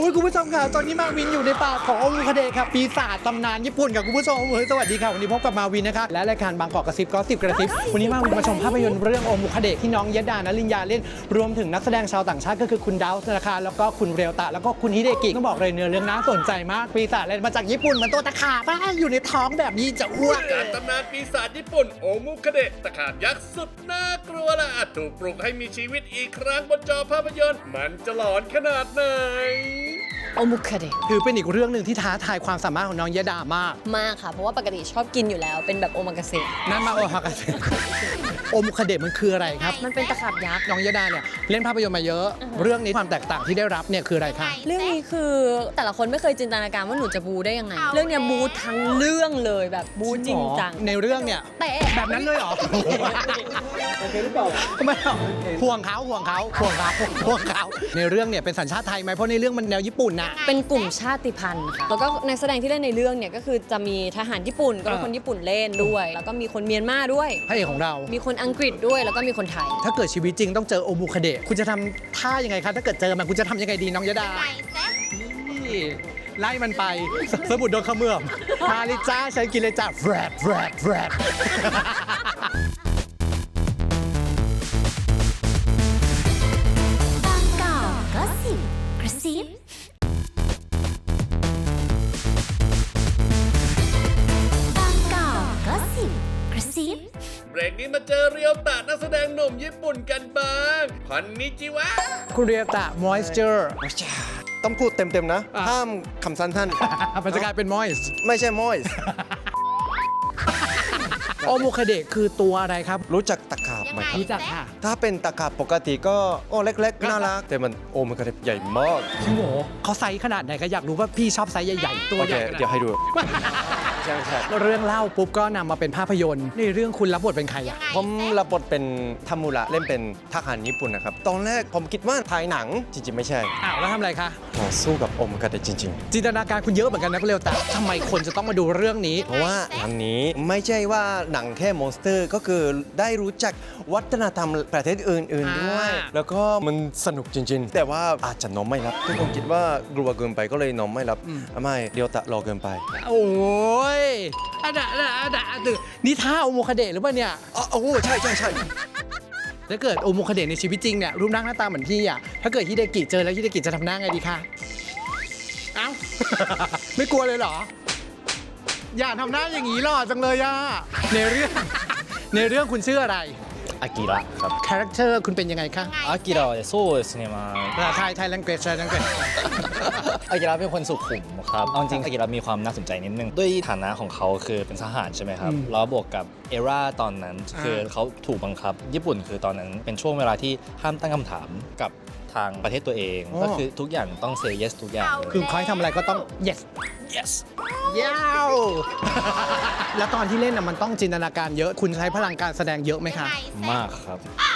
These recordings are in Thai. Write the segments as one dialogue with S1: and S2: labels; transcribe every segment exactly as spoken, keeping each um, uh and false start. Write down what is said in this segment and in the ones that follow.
S1: อ้ยคุณผู้ชมค่ะตอนนี้มาวินอยู่ในป่าของโอมุคาเดะค่ะปีศาจตำนานญี่ปุ่นกับคุณผู้ชมเฮ้ยสวัสดีค่ะวันนี้พบกับมาวินนะคะและรายการบางกอกกระซิบก็สิบกระซิบวันนี้มาวินมาชมภาพยนตร์เรื่องโอมุคาเดะที่น้องยดานลินยาเล่นรวมถึงนักแสดงชาวต่างชาติก็คือคุณดาวส์นะคะแล้วก็คุณเรียวตะแล้วก็คุณฮิเดกิต้องบอกเลยเนื้อเรื่องน่าสนใจมากปีศาจเล่นมาจากญี่ปุ่นเหมือนตัวตะขาบอยู่ในท้องแบบนี้จะอ้วก
S2: การตำนานปีศาจญี่ปุ่นโอมุคาเดะตะขาบยักษ์สุดน่ากลัวและอาจถูกปลุกให้มีชีวิตอีกครั้งบนจอภาพยนตร์มันจะหลอนขนาดไหน
S3: โอมุคาเดะ
S1: คือเป็นอีกเรื่องหนึ่งที่ท้าทายความสามารถของน้องยดามาก
S3: มากค่ะ เพราะว่าปกติชอบกินอยู่แล้วเป็นแบบโอมากาเสะ
S1: นั่นมาโอฮากาเซโอมุคาเดะมันคืออะไรครับ
S3: มันเป็นตะขาบยักษ์
S1: น้องยดาเนี่ยเล่นภาพยนตร์มาเยอะ เรื่องนี้ความแตกต่างที่ได้รับเนี่ยคืออะไรคะ
S3: เรื่องนี้คือแต่ละคนไม่เคยจินตนาการว่าหนูจะบูได้ยังไง เรื่องเนี้ยบูทั้งเรื่องเลยแบบบูจริงจัง
S1: ในเรื่องเนี่ย
S3: แต่
S1: แบบนั้นเลยเหรอโอเคหรือเปล่าไม่หรอกห่วงเขาห่วงเขาห่วงเขาห่วงเขาในเรื่องเนี่ยเป็นสัญชาติไทยไหมเพราะในเรื่องมันแนวญี่ปุ่นน่ะ
S3: เป็นกลุ่มชาติพันธุ์ค่ะแล้วก็นักแสดงที่เล่นในเรื่องเนี่ยก็คือจะมีทหารญี่ปุ่นก็เป็นคนญี่ปุ่นเล่นด้วย แล้วก็มีคนเมียนมาด้วย
S1: พระเอกของเรา
S3: มีคนอังกฤษด้วยแล้วก็มีคนไทย
S1: ถ้าเกิดชีวิตจริงต้องเจอโอมุคาเดะคุณจะทำท่ายังไงคะถ้าเกิดเจอมันคุณจะทำยังไงดีน้องยดานี่ไล่มันไปสสมุดโดนเขมือบมาลิจ้าฉันกินเลยจ้าแฟรดแฟรดแฟรด
S4: บางกอกก็สิบกระซิบางกอกก็สิบกระซิบ
S2: เบรกนี้มาเจอเรียวตะนักแสดงหนุ่มญี่ปุ่นกันบ้างคอนนิจิวะ
S1: คุณเรียตะ moisture
S5: ต้องพูดเต็มๆนะ
S1: อ่ะ
S5: ห้ามคำสั้น
S1: มันจะกลายเป็น moist
S5: ๆ ไม่ใช่มอยส์
S1: โอมุคาเดะคือตัวอะไรครับ
S5: รู้จักตะขาบไหมครับ
S1: รู้จักค่ะ
S5: ถ้าเป็นตะขาบปกติก็โอ้เล็กๆ น่ารัก แต่มันโอ้มันกระเด็บใหญ่มาก
S1: พี่โหเขาไซส์ขนาดไหนก็อยากรู้ว่าพี่ชอบไซส์ใหญ่ๆ ตัว
S5: โอ
S1: ให
S5: เค
S1: ญ่ขนาดไหน
S5: เดี๋ยวให้ดู ใช่ใช่
S1: เรื่องเล่าปุ๊บก็นำมาเป็นภาพยนตร์ในเรื่องคุณรับบทเป็นใครอะ
S5: ผมรับบทเป็นทามุระเล่นเป็นทหารญี่ปุ่นนะครับ ตอนแรกผมคิดว่าถ่ายหนัง จริงๆ ไม่ใช่
S1: อ้าวแล้วทำอะไรคะ
S5: ต่อสู้กับโอมกระเดะจริง
S1: จินตนาการคุณเยอะเหมือนกันนะคุณเร็วแต่ทำไมคนจะต้องมาดูเรื่องนี้
S5: ๆ เพราะว่าหนังนี้ไม่ใช่ว่าหนังแค่มอนสเตอร์ ก็คือได้รู้จักวัฒนธรรมประเทศอื่นๆด้วย
S1: อ่า
S5: แล้วก็มันสนุกจริง ๆ แต่ว่าอาจจะนอนไม่รับทุกคนคิดว่ากลัวเกินไปก็เลยนอนไม่รับไม่เดียวตะรอเกินไป
S1: โอ้ยอันน่ะอันน่ะอันน่ะอันน่ะนี่ท่าโอมุคาเดะหรือเปล่าเนี่ย
S5: อ๋อโอ้ใช่ใช่ใช่
S1: ถ้าเกิดโอมุคาเดะในชีวิตจริงเนี่ยรูปร่างหน้าตาเหมือนพี่อ่ะถ้าเกิดฮิเดกิเจอแล้วฮิเดกิจะทำหน้าไงดีคะเอ้า ไม่กลัวเลยเหรอ อย่าทำหน้าอย่างนี้หล่อจังเลยอ่ะในเรื่อง ในเรื่องคุณชื่ออะไร
S6: アキラครับ
S1: คาแรคเตอร์คุณเป็นยังไงคะ
S6: アキラはねそうですねまあ
S1: ภาษาไทยไทยแลงเกจไทยแลงเกจ
S6: อากิระเป็นคนสุขุมครับเอาจริงๆอากิระมีความน่าสนใจนิดนึงด้วยฐานะของเขาคือเป็นทหารใช่ไหมครับ
S1: อืม
S6: แล้วบวกกับเอราตอนนั้นคือเขาถูกบังคับ ญี่ปุ่นคือตอนนั้นเป็นช่วงเวลาที่ห้ามตั้งคำถามกับทางประเทศตัวเอง ก็คือทุกอย่างต้อง say yes ทุกอย่างเลย
S1: คือเขาให้ทำอะไรก็ต้อง yes
S6: yes
S1: ยาว แล้วตอนที่เล่นน่ะมันต้องจินตนาการเยอะ คุณใช้พลังการแสดงเยอะไหมคะ
S6: มากครับ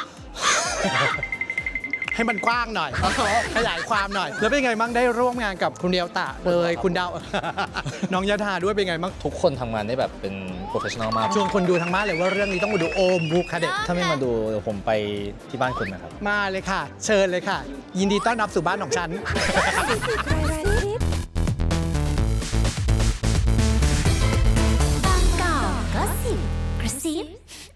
S1: ให้มันกว้างหน่อย ขยายความหน่อย แล้วเป็นไงบ้างได้ร่วมงานกับคุณเดียวตะเลยคุณดาว น้องยดาด้วยเป็นไงบ้าง
S6: ทุกคนทำงานได้แบบเป็น professional มาก
S1: ชวนคนดูทางบ้านเลยว่าเรื่องนี้ต้องมาดูโอมบุคาเดะ
S6: ถ้าไม่มาดูเดี๋ยวผมไปที่บ้านคุณนะครับ
S1: มาเลยค่ะ เชิญเลยค่ะ ยินดีต้อนรับสู่บ้านของฉัน
S4: บางกอกก็สิบกระซิบ